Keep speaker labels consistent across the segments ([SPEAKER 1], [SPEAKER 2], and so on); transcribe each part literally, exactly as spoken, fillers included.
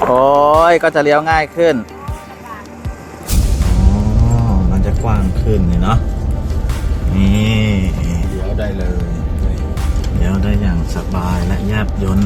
[SPEAKER 1] โอ้ยก็จะเลี้ยวง่ายขึ้นอ๋อมันจะกว้างขึ้นเลยเนาะนี่เลี้ยวได้เลยเลี้ยวได้อย่างสบายและแยบยล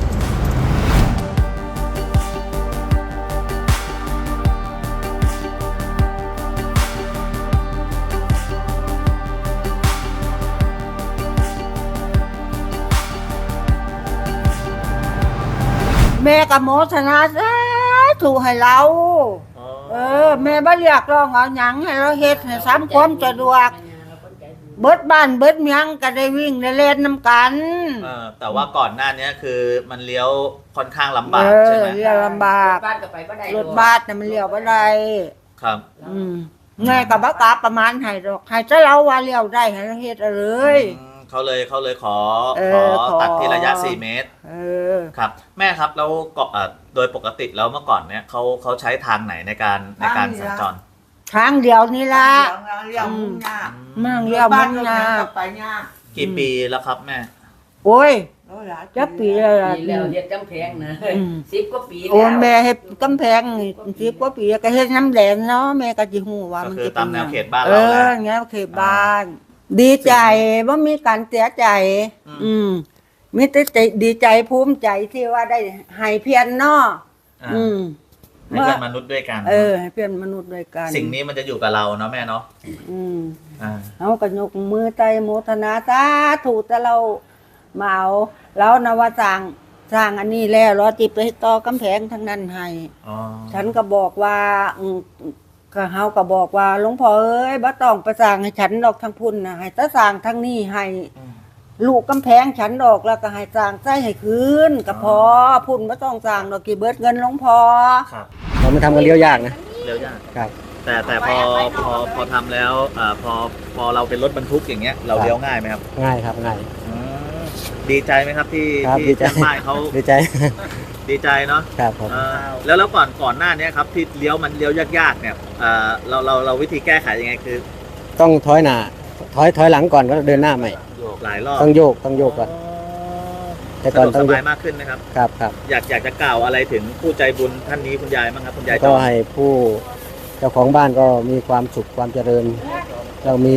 [SPEAKER 2] แม่กับโมทนาถูกให้เราเออแม่บ่เรียกร้องเอาหยังให้เราเฮ็ดให้ซ้ำความสะดวกเบิดบ้านเบิดเมียงก็ได้วิ่งได้เล่นน้ำกัน
[SPEAKER 1] เออแต่ว่าก่อนหน้านี้คือมันเลี้ยวค่อนข้างลำบา
[SPEAKER 2] เอก
[SPEAKER 1] ใช่
[SPEAKER 2] อ
[SPEAKER 1] ไหม
[SPEAKER 2] เลี้ยวลำบาก
[SPEAKER 3] บ้านก็ไปบ่ได้
[SPEAKER 2] รถบัสน่ะมันเลี้ยวบ่ได้
[SPEAKER 1] ครับ
[SPEAKER 2] อืมแม่ก็บ่กล้าประมาณให้ดอกให้แต่เราว่าเลี้ยวได้ให้เราเฮ็ดเอาเลย
[SPEAKER 1] อืมเขาเลยเขาเลยขอ
[SPEAKER 2] เอ
[SPEAKER 1] ขอ
[SPEAKER 2] อขอ
[SPEAKER 1] ตัดที่ระยะสี่เมตร
[SPEAKER 2] เออ
[SPEAKER 1] ครับแม่ครับแล้วเกาะเอ่อโดยปกติแล้วเมื่อก่อนเนี่ยเขาเขาใช้ทางไหนในการในการสัญจร
[SPEAKER 2] ทางเดียวนี่ล่ะ
[SPEAKER 4] เลี้ยวมุ่งหน้า
[SPEAKER 2] มั่งเลี้ยวมุ่งหน้า
[SPEAKER 4] ไปหน้า
[SPEAKER 1] กี่ปีแล้วครับแม่
[SPEAKER 2] โอ้ย
[SPEAKER 4] แล้วหลาย
[SPEAKER 2] จักปีแล้วล่ะ
[SPEAKER 3] ปีแล้วเฮ็ดกำแพงนะ
[SPEAKER 2] อืม
[SPEAKER 3] สิบกว่าปีแล้ว
[SPEAKER 2] โอ้แม่เฮ็ดกำแพงนี่สิบกว่าปีก็เฮ็ดน้ำแดงเนาะแม่ก็สิฮู้ว่า
[SPEAKER 1] ก็
[SPEAKER 2] มัน
[SPEAKER 1] คือ
[SPEAKER 2] สิ
[SPEAKER 1] ตามแนวเขตบ้าน
[SPEAKER 2] เอ
[SPEAKER 1] เราแห
[SPEAKER 2] อ
[SPEAKER 1] ละ
[SPEAKER 2] แนวเขตบ้าน ดีใจบ่มีการเสียใจ
[SPEAKER 1] อืม
[SPEAKER 2] อืมมีแต่ใจดีใจภูมิใจที่ว่าได้ให้เพียรเนาะ
[SPEAKER 1] อ่า
[SPEAKER 2] อืม
[SPEAKER 1] ให้เป็นมนุษย์ด้วยกัน
[SPEAKER 2] เออให้เพียรมนุษย์ด้วยกัน
[SPEAKER 1] สิ่งนี้มันจะอยู่กับเราเนาะแม่เนาะ
[SPEAKER 2] อืม
[SPEAKER 1] อ่า
[SPEAKER 2] เฮาก็ยกมือใจโมทนาสาธุแต่เรามาเอาแล้วนะว่าสร้างสร้างอันนี้แล้วรอจิไปต่อกำแพงทั้งนั้นให้
[SPEAKER 1] อ๋อ
[SPEAKER 2] ฉันก็บอกว่าอืมก็เฮาก็บอกว่าหลวงพ่อเอ้ยบ่ต้องไปสร้างให้ฉันดอกทั้งพุ่นนะให้แต่สร้างทั้งนี้ให้
[SPEAKER 1] อืม
[SPEAKER 2] ลูกกำแพงฉันดอกแล้วก็ให้สร้างใส่ให้คืนก็พอพุ่นบ่ต้องสร้างดอกกี่เบิดเงินหลวงพ่อ
[SPEAKER 1] ครับ
[SPEAKER 5] เราไม่ทำกันเลี้ยวยากนะ
[SPEAKER 1] เร็วยาก
[SPEAKER 5] ครับ
[SPEAKER 1] แต่แต่พอพอพอทำแล้วอ่าพอพอเราเป็นรถบรรทุกอย่างเงี้ยเรา
[SPEAKER 5] ครับ
[SPEAKER 1] เลี้ยวง่ายไหมครับ
[SPEAKER 5] ง่ายครับง่าย
[SPEAKER 1] อืมดีใจไหมครับที่
[SPEAKER 5] ครับ
[SPEAKER 1] ที่
[SPEAKER 5] ดีใจ
[SPEAKER 1] ช่างป้ายเขา
[SPEAKER 5] ดีใจ
[SPEAKER 1] ดีใจเนาะ
[SPEAKER 5] ครับผม
[SPEAKER 1] เออแล้วแล้วก่อนก่อนหน้านี้ครับที่เลี้ยวมันเลี้ยวยากๆเนี่ยเออเราเราเราวิธีแก้ไขยังไงคือ
[SPEAKER 5] ต้องถอยหน้าถอยถอยหลังก่อนก็เดินหน้าใหม่
[SPEAKER 1] หลายรอบ
[SPEAKER 5] ต้องโยกต้องโยกก่อน แต่
[SPEAKER 1] สะ
[SPEAKER 5] ก่อน
[SPEAKER 1] ดวก
[SPEAKER 5] ต้
[SPEAKER 1] ส
[SPEAKER 5] องโย
[SPEAKER 1] บาก ยมากขึ้นนะครับ
[SPEAKER 5] ครับครับ
[SPEAKER 1] อยากอยากจะกล่าวอะไรถึงผู้ใจบุญท่านนี้คุณยายบ้างครับคุณยายจ
[SPEAKER 5] ก็
[SPEAKER 1] อม
[SPEAKER 5] ให้ผู้เจ้าของบ้านก็มีความสุขความเจริญ เรามี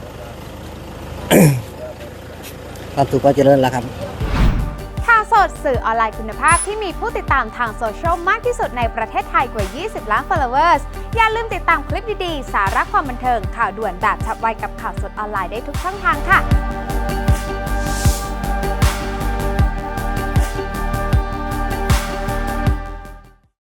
[SPEAKER 5] ความสุขความเจริญแล้วครับ
[SPEAKER 6] ข่าวสดสื่อออนไลน์คุณภาพที่มีผู้ติดตามทางโซเชียลมากที่สุดในประเทศไทยกว่า ยี่สิบ ล้าน followers อย่าลืมติดตามคลิปดีๆ สาระความบันเทิงข่าวด่วนแบบฉับไวกับข่าวสดออนไลน์ได้ทุกช่องทางค่ะ